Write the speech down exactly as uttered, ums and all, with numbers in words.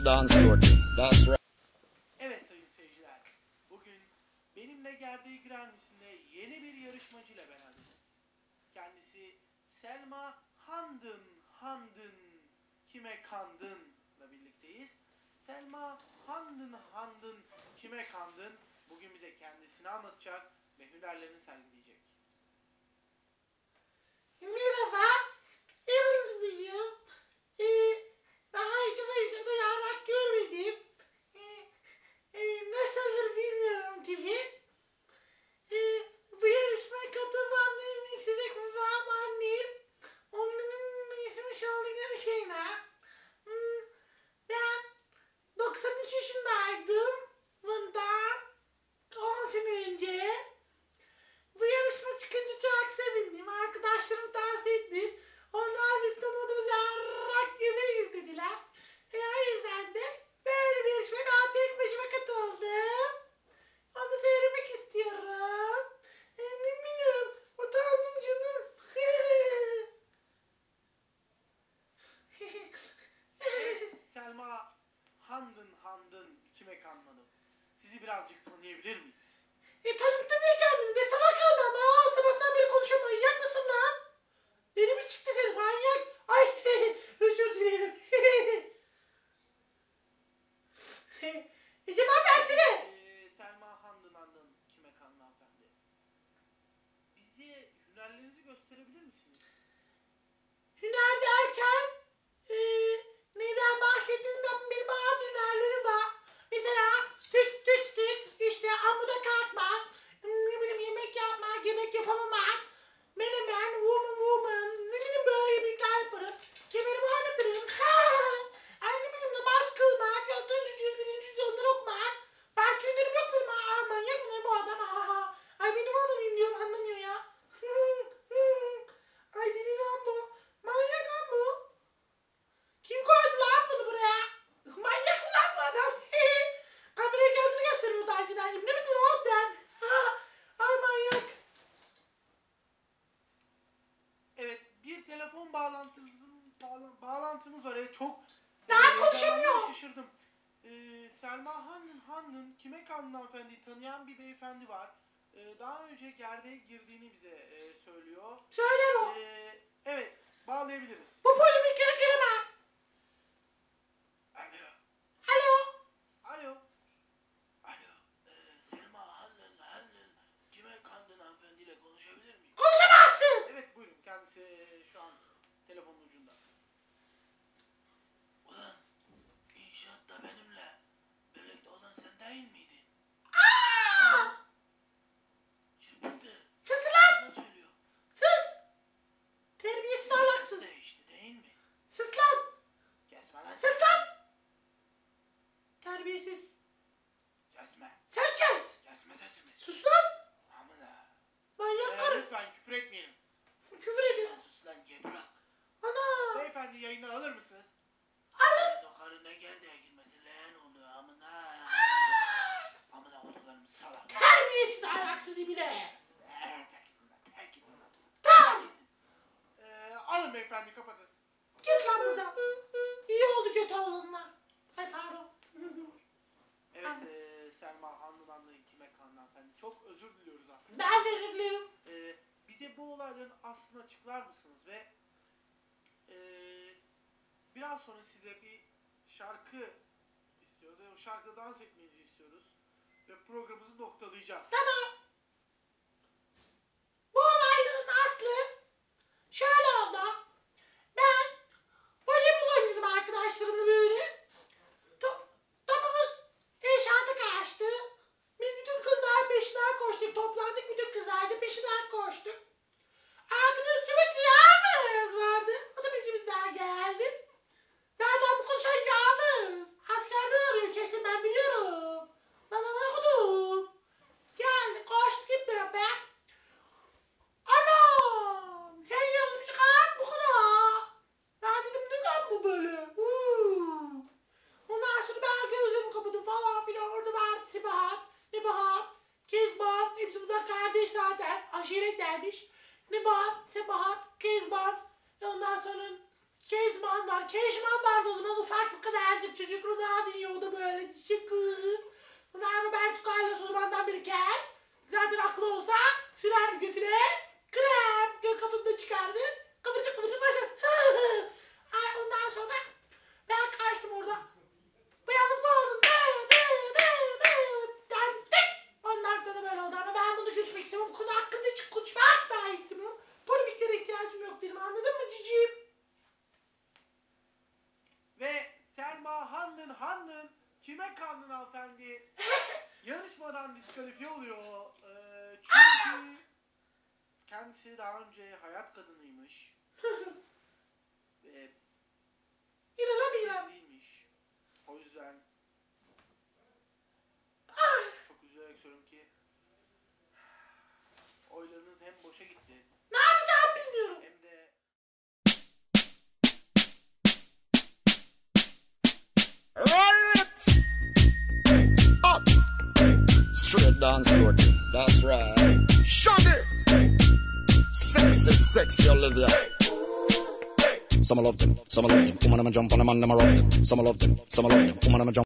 dance floor thing. That's right. Evet sayın seyirciler, bugün benimle geldiği Granmisi'nde yeni bir yarışmacıyla beraberiz. Kendisi Selma Handın Handın Kime Kandın'la birlikteyiz. Selma Handın Handın Kime Kandın bugün bize kendisini anlatacak ve hünerlerini sergileyecek. Merhaba, Yıldız'ım. Ee, daha hiç başımda yarrak görmedim. Ee, e, nasıldır bilmiyorum tabii. Ee, bu yarışmaya katılmamda en büyük sebep babam, annem. Onların yaşamış oldukları şeyler. Hmm, ben doksan üç yaşındaydım bundan on sene önce. Bu yarışma çıkınca çok sevindim. Arkadaşlarım tavsiye ettim. Onlar biz tanımadığımız yarrak yemeği izlediler. E, o yüzden de böyle bir yarışmaya ben tek başıma katıldım. Onu da söylemek istiyorum. E, ne bileyim, utandım canım. Evet, Selma Handın Handın Kime Kandın. Sizi birazcık tanıyabilir miyiz? E tanıttım ya kendimi. Be salak kaldı ama. Al sabahtan beri konuşuyorum. Manyak mısın lan? Beni mi çıktı seni manyak? Ay özür dilerim. e, cevap versene. Ee, Selma Handın Handın Kime Kandın hanımefendi. Bize hünerlerinizi gösterebilir misiniz? Hüner derken e, neyden bahsettiğiniz ben benim bazı hünerlerim var. Mesela tık tık tık işte amuda kalkmak, ne bileyim yemek yapmak, yemek yapamamak, menemen, woman woman, ne bileyim böyle yemekler yaparım. Kemerimi oynatırım. Ay ne bileyim namaz kılmak, dördüncü cüz, birinci cüz onları okumak. Başka hünerim yok benim. Aa manyak mı ne bu adam? Aa, ay benim adamım diyorum anlamıyor ya. Ay deli lan bu. Manyak lan bu. Kim koydu lan bunu buraya? Manyak mı lan bu adam? Kameraya kendini gösteriyor takipten. Ne bileyim oğlum ben? Ay manyak. Evet, bir telefon bağlantımız bağla- bağlantımız var. Evet, çok Daha e, konuşamıyor. heyecanlandım, şaşırdım. Ee, Selma Handın Handın Kime Kandın hanımefendiyi tanıyan bir beyefendi var. Ee, daha önce gerdeğe girdiğini bize e, söylüyor. Söyle bu. Ee, evet, bağlayabiliriz. Bu polemiklere gireme. Alo. Alo. Alo. Alo. Ee, Selma Handın Handın Kime Kandın hanımefendiyle konuşabilir miyim? Konuşamazsın. Evet, buyurun. Kendisi e, şu an telefonun ucunda. Ulan, inşaatta benimle birlikte olan sen değil miydin? Aa! Çırpıntı. Sus lan. Ne söylüyor? Sus. Terbiyesiz ahlaksız. Ses değişti değil mi? Sus lan. Kesme lan. Sus lan. Terbiyesiz. Kesme. Sen kes. Kesme sesimi. Sus lan. Amına. Manyak Ee, karı. lütfen küfür etmeyelim. Küfür edin. Lan sus lan gebrak. Ana. Beyefendi yayını alır mısınız? Alın. Senin o karın ne gerdeğe girmesi leğen oluyor amına. Amına olduklarım salak. Terbiyesiz ahlaksız ibine. Eee terk edin lan terk edin lan. Tamam. Ee, alın beyefendi kapatın. Git lan buradan. İyi oldu kötü olanlar. Ay pardon. Evet ee, Selma Handın Handın Kime Kandın hanımefendi. Çok özür diliyoruz aslında. Ben de özür dilerim. Ee, bize bu olayların aslını açıklar mısınız ve ee, biraz sonra size bir şarkı istiyoruz ve o şarkıda dans etmenizi istiyoruz ve programımızı noktalayacağız. Tamam. Bu olayların aslı şöyle oldu. Ben voleybol oynadım arkadaşlarımla böyle. Top, topumuz inşaata kaçtı. Biz bütün kızlar peşinden koştuk. Toplandık bütün kızlarca peşinden koştuk. Arkada sürekli Yağmur vardı. O da peşimizden geldi. Zaten bu konuşan Yağmur. Askerden arıyor kesin ben biliyorum. Bana bana okudum. Geldi koştuk hep beraber. Anam! Sen yapmış kalk bu kadar. Ya dedim ne lan bu böyle? Uuu. Ondan sonra ben gözlerimi kapadım falan filan. Orada vardı Sebahat, Nebahat, Kezban. Hepsi bunlar kardeş zaten. Aşiret dermiş. Nebahat, Sebahat, Kezban. Ondan sonra Kezban var. Keşman vardı o zaman, ufak bu kadarcık çocuk. Ronaldo yiyordu böyle. Şıkır. Bunlar Roberto Carlos o zamandan beri kel. Zaten aklı olsa sürerdi götüne. Krem. Gök kafasında çıkardı. Kıvırcık kıvırcık nasıl? Ay, ondan sonra ben kaçtım orada. Bu yalnız mı oldun? Ondan sonra böyle oldu ama ben bunu görüşmek istemiyorum. Bu konu hakkında hiç konuşmak daha istemiyorum. Polemiklere ihtiyacım yok benim, anladın mı cicim? Ve Selma Hanlın Hanlın kime kandın hanımefendi? Yarışmadan diskalifiye oluyor. Ee, çünkü kendisi daha önce hayat kadınıymış. Ve İnanamıyorum. değilmiş. O yüzden Ay, çok üzülerek söylüyorum ki oylarınız hem boşa gitti ne yapacağımı bilmiyorum. hem de Right. Up. Straight dance floor. That's right. Shaggy. Sexy, sexy Olivia. Some love them, some love them. Woman, I'm a jump on them and them a rock them. Some love them, some love them. Woman, I'm a jump.